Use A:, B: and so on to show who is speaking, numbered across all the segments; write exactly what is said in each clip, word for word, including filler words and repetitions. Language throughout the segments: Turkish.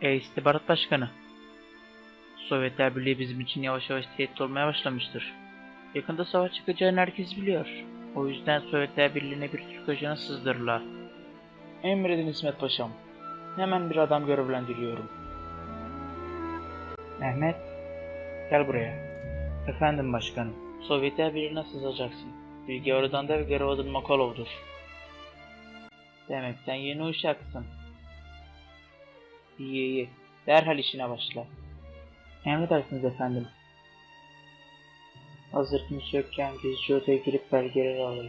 A: Ey istihbarat başkanı. Sovyetler Birliği bizim için yavaş yavaş tehdit olmaya başlamıştır. Yakında savaş çıkacağını herkes biliyor. O yüzden Sovyetler Birliği'ne bir Türk ajanı sızdırırlar. Emredin İsmet Paşam. Hemen bir adam görevlendiriyorum. Mehmet, gel buraya. Efendim başkanım. Sovyetler Birliği'ne sızacaksın. Bilgi oradan da ve görev adın Makalov'dur. Demek sen yeni uşaksın. İyi iyi. Derhal işine başla. Emredersiniz efendim. Hazır kimse yokken gizlice odaya girip belgeleri alayım.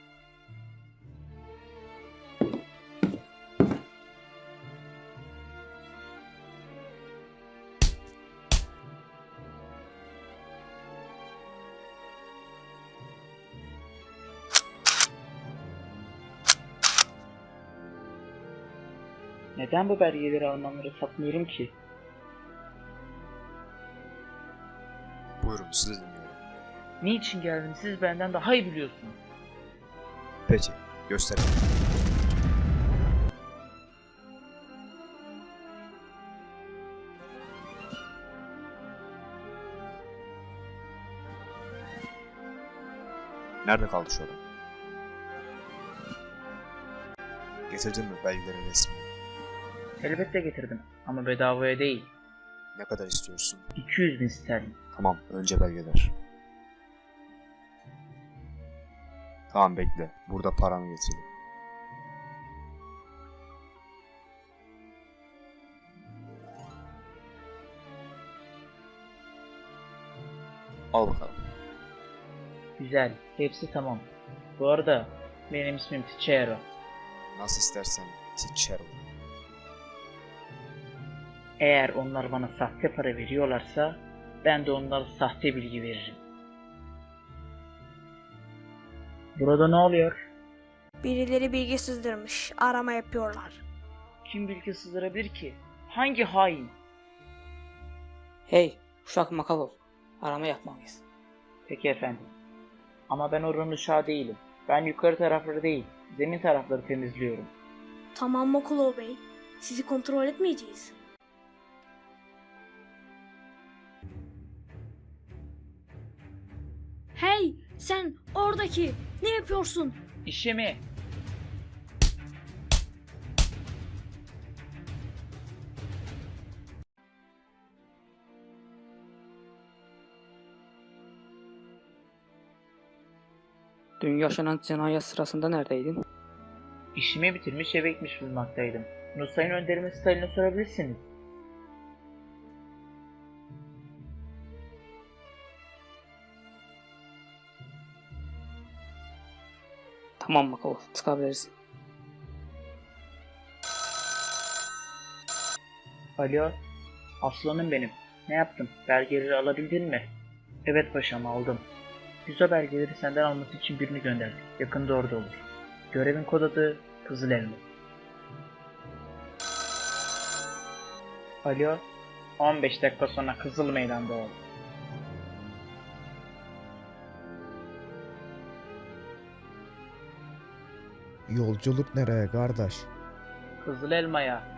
A: Neden bu belgeleri Almanlara satmıyorum ki?
B: Buyurun, sizi dinliyorum.
A: Niçin geldim siz benden daha iyi biliyorsunuz.
B: Peki, gösterin. Nerede kaldı şu adam? Getirdin mi belgelerin resmini?
A: Elbette getirdim ama bedavaya değil.
B: Ne kadar istiyorsun?
A: iki yüz bin sterlin.
B: Tamam, önce belgeler. Tamam, bekle. Burada paramı getireyim. Al bakalım.
A: Güzel, hepsi tamam. Bu arada benim ismim Ticero.
B: Nasıl istersen Ticero.
A: Eğer onlar bana sahte para veriyorlarsa ben de onlara sahte bilgi veririm. Burada ne oluyor?
C: Birileri bilgi sızdırmış. Arama yapıyorlar.
A: Kim bilgi sızdırabilir ki? Hangi hain?
D: Hey, uşak Makalov. Arama yapmalıyız.
A: Peki efendim. Ama ben oranın uşağı değilim. Ben yukarı tarafları değil, zemin tarafları temizliyorum.
C: Tamam Mokulov Bey. Sizi kontrol etmeyeceğiz. Hey, sen oradaki ne yapıyorsun?
A: İşimi.
D: Dün yaşanan cinayet sırasında neredeydin?
A: İşimi bitirmiş eve gitmiş bulunmaktaydım. Bunu sayın önderime Stalin'e sorabilirsiniz.
D: Tamam Makalov, çıkabiliriz.
A: Alo, aslanım benim. Ne yaptın? Belgeleri alabildin mi? Evet paşam, aldım. Biz o belgeleri senden alması için birini gönderdik. Yakında orada olur. Görevin kod adı Kızıl Elma. Alo, on beş dakika sonra Kızıl Meydan'da ol.
E: Yolculuk nereye kardeş?
A: Kızıl Elma'ya.